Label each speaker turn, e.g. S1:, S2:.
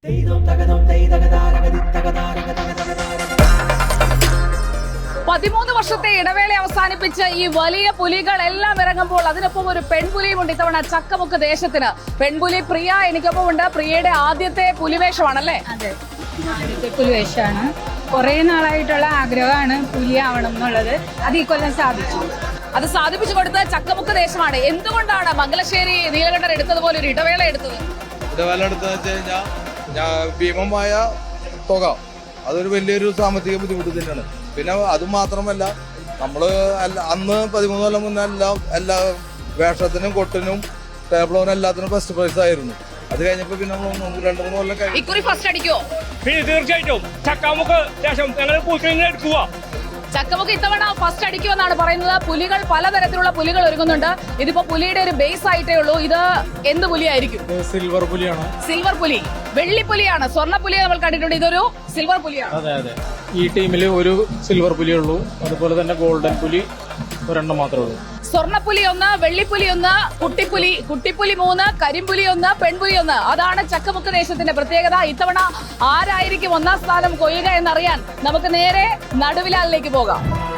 S1: 13 വർഷത്തെ ഇടവേള അവസാനിപ്പിച്ച് ഈ വലിയ പുലികളെല്ലാം ഇറങ്ങുമ്പോൾ അതിനൊപ്പം ഒരു പെൺപുലിയും ഉണ്ട് ഇത്തവണ ചക്കമുക്ക് ദേശത്തിന്. പെൺപുലി പ്രിയ എനിക്കൊപ്പം ഉണ്ട്. പ്രിയയുടെ ആദ്യത്തെ പുലിവേഷമാണല്ലേ?
S2: അതെ, ആദ്യത്തെ പുലിവേഷമാണ്. കുറെ നാളായിട്ടുള്ള ആഗ്രഹമാണ് പുലിയാവണം എന്നുള്ളത്. അത് ഈ കൊല്ലം സാധിച്ചു.
S1: അത് സാധിപ്പിച്ചു കൊടുത്ത ചക്കമുക്ക് ദേശമാണ്. എന്തുകൊണ്ടാണ് മംഗലശ്ശേരി നീലകണ്ഠൻ എടുത്തതുപോലെ ഒരു ഇടവേള എടുത്തത്?
S3: ഇടവേള എടുത്തതെന്ന് വെച്ച് കഴിഞ്ഞാൽ ഭീമമായ തുക, അതൊരു വലിയൊരു സാമ്പത്തിക ബുദ്ധിമുട്ട് തന്നെയാണ്. പിന്നെ അതുമാത്രമല്ല, നമ്മള് അന്ന് 13 കൊല്ലം മുന്നേ എല്ലാ വേഷത്തിനും കൊട്ടിനും ടേബിളിനും എല്ലാത്തിനും ഫസ്റ്റ് പ്രൈസ് ആയിരുന്നു. അത് കഴിഞ്ഞപ്പോ പിന്നെ നമ്മൾ 2-3 കൊല്ലം കഴിഞ്ഞു.
S1: ഇക്കുറി ഫസ്റ്റ് അടിക്കോ?
S4: തീർച്ചയായിട്ടും ചക്കാമുക്ക് ശേഷം ഞങ്ങൾ എടുക്കുക.
S1: ചക്കമുക്ക് ഇത്തവണ ഫസ്റ്റ് അടിക്കുമെന്നാണ് പറയുന്നത്. പുലികൾ പലതരത്തിലുള്ള പുലികൾ ഒരുങ്ങുന്നുണ്ട്. ഇതിപ്പോ പുലിയുടെ ഒരു ബേസ് ആയിട്ടേ ഉള്ളൂ. ഇത് എന്ത് പുലിയായിരിക്കും?
S4: സിൽവർ പുലിയാണ്.
S1: സിൽവർ പുലി. വെള്ളിപ്പുലിയാണ്. സ്വർണ്ണ പുലിയെ നമ്മൾ കണ്ടിട്ടുണ്ട്. ഇതൊരു സിൽവർ പുലിയാണ്.
S4: അതെ അതെ, ഈ ടീമിൽ ഒരു സിൽവർ പുലിയേ ഉള്ളൂ. അതുപോലെ തന്നെ ഗോൾഡൻ പുലി ഒരെണ്ണം മാത്രമേ ഉള്ളൂ.
S1: സ്വർണ്ണപ്പുലി 1, വെള്ളിപ്പുലി 1, കുട്ടിപ്പുലി 3, കരിമ്പുലി 1, പെൺപുലി 1. അതാണ് ചക്കമുക്ക് ദേശത്തിന്റെ പ്രത്യേകത. ഇത്തവണ ആരായിരിക്കും 1ാം സ്ഥാനം കൊയ്യുക എന്നറിയാൻ നമുക്ക് നേരെ നടുവിലാലിലേക്ക് പോകാം.